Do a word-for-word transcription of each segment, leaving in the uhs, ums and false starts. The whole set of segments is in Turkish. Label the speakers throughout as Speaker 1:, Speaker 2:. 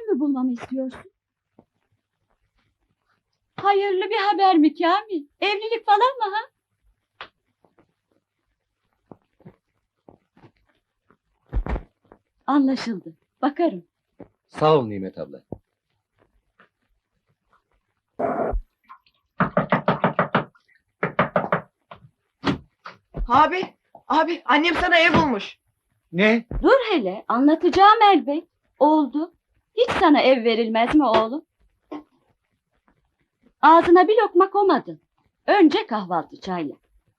Speaker 1: mü bulmamı istiyorsun? Hayırlı bir haber mi Kamil? Evlilik falan mı ha? Anlaşıldı. Bakarım.
Speaker 2: Sağ ol Nimet abla.
Speaker 3: Abi, abi annem sana ev bulmuş.
Speaker 2: Ne?
Speaker 1: Dur hele, anlatacağım elbet. Oldu. Hiç sana ev verilmez mi oğlum? Ağzına bir lokma koymadın. Önce kahvaltı çayla.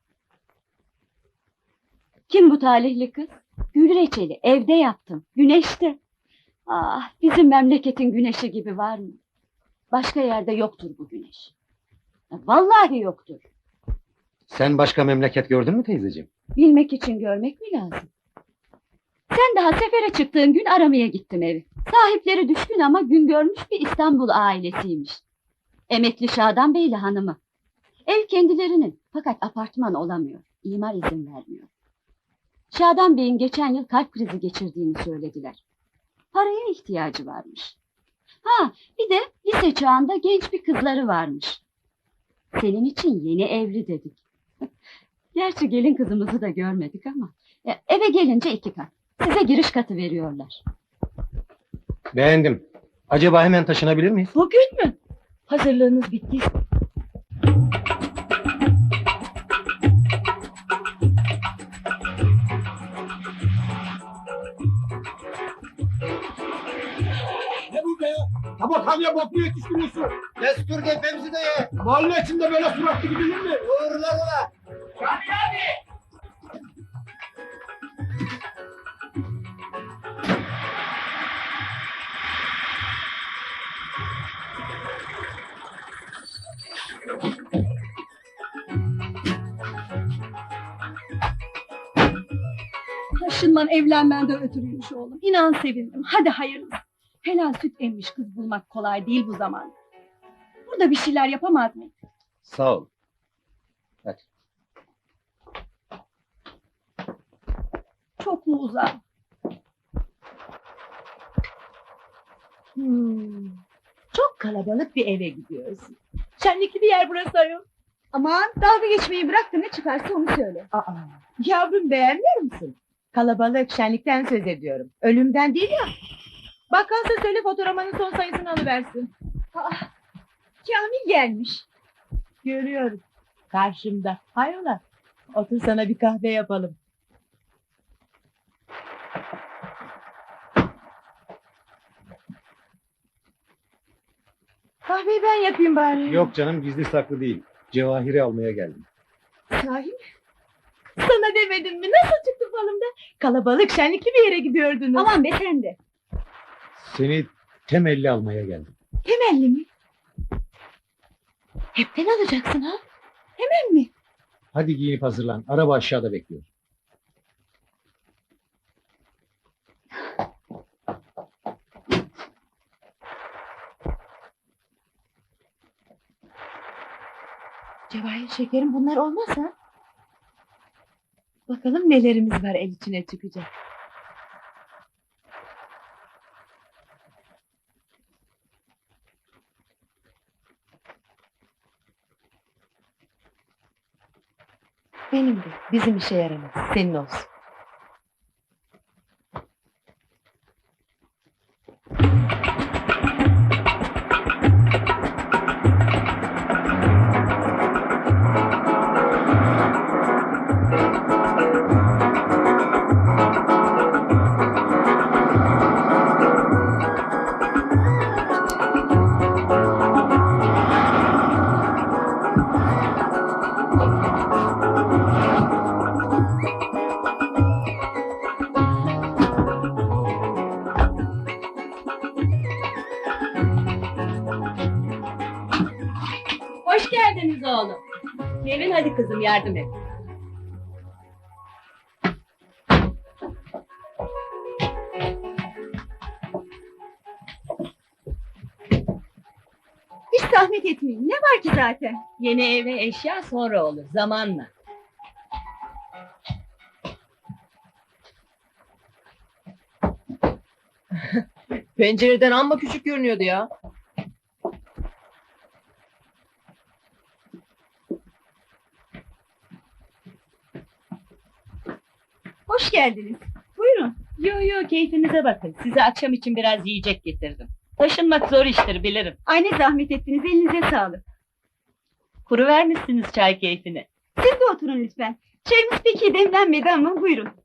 Speaker 1: Kim bu talihli kız? Gül reçeli evde yaptım. Güneşte. Ah, bizim memleketin güneşi gibi var mı? Başka yerde yoktur bu güneş. Vallahi yoktur.
Speaker 2: Sen başka memleket gördün mü teyzeciğim?
Speaker 1: Bilmek için görmek mi lazım? Sen daha sefere çıktığın gün aramaya gittim evi. Sahipleri düşkün ama gün görmüş bir İstanbul ailesiymiş. Emekli Şadan Beyli hanımı. Ev kendilerinin fakat apartman olamıyor. İmar izin vermiyor. Şadan Bey'in geçen yıl kalp krizi geçirdiğini söylediler. Paraya ihtiyacı varmış. Ha, bir de lise çağında genç bir kızları varmış. Senin için yeni evli dedik. Gerçi gelin kızımızı da görmedik ama. E, eve gelince iki kat. Size giriş katı veriyorlar.
Speaker 2: Beğendim. Acaba hemen taşınabilir miyiz?
Speaker 1: Bugün mü? Hazırlığınız bittiyse.
Speaker 4: Ne bu be ya? Tabakhaneye bok mu yetiştiriyorsun?
Speaker 2: Destur gefemizi de ye.
Speaker 4: Mahalle içinde böyle suratlı gidilir mi?
Speaker 2: Uğurlar ola.
Speaker 5: Taşınman evlenmenden ötürüymüş oğlum. İnan sevindim. Hadi hayırlısı. Helal süt emmiş kız bulmak kolay değil bu zamanda. Burada bir şeyler yapamaz mıyız?
Speaker 2: Sağ ol. Hadi.
Speaker 5: Çok mu uzak?
Speaker 6: Hmm, çok kalabalık bir eve gidiyorsun. Şenlikli bir yer burası ayol.
Speaker 5: Aman dalga geçmeyi bırak da ne çıkarsa onu söyle.
Speaker 6: Aa, yavrum beğenmiyor musun? Kalabalık, şenlikten söz ediyorum. Ölümden değil ya. Bakkalsa söyle fotoğrafının son sayısını alıversin. Aa, Kamil gelmiş. Görüyorum. Karşımda. Hayrola? Otur sana bir kahve yapalım. Kahveyi ben yapayım bari.
Speaker 2: Yok canım, gizli saklı değil. Cevahiri almaya geldim.
Speaker 6: Sahi mi? Sana demedim mi? Nasıl çıktı falımda? Kalabalık, şenlikli bir yere gidiyordunuz.
Speaker 5: Aman be sen de.
Speaker 2: Seni temelli almaya geldim.
Speaker 6: Temelli mi? Hepten alacaksın ha? Hemen mi?
Speaker 2: Hadi giyinip hazırlan. Araba aşağıda bekliyor.
Speaker 6: Cevahir şekerim bunlar olmaz ha? Bakalım nelerimiz var el içine çıkacak. Benim de. Bizim işe yaramaz. Senin olsun.
Speaker 5: Hoş geldiniz oğlum. Nevin hadi kızım yardım et. Hiç zahmet etmeyin. Ne var ki zaten? Yeni eve eşya sonra olur zamanla.
Speaker 3: Pencereden amma küçük görünüyordu ya.
Speaker 5: Hoş geldiniz. Buyurun.
Speaker 1: Yo yo keyfinize bakın. Size akşam için biraz yiyecek getirdim. Taşınmak zor iştir bilirim.
Speaker 5: Ay ne zahmet ettiniz, elinize sağlık.
Speaker 1: Kuru vermişsiniz çay keyfini.
Speaker 5: Siz de oturun lütfen. Çayımız pek iyi demlenmedi ama buyurun.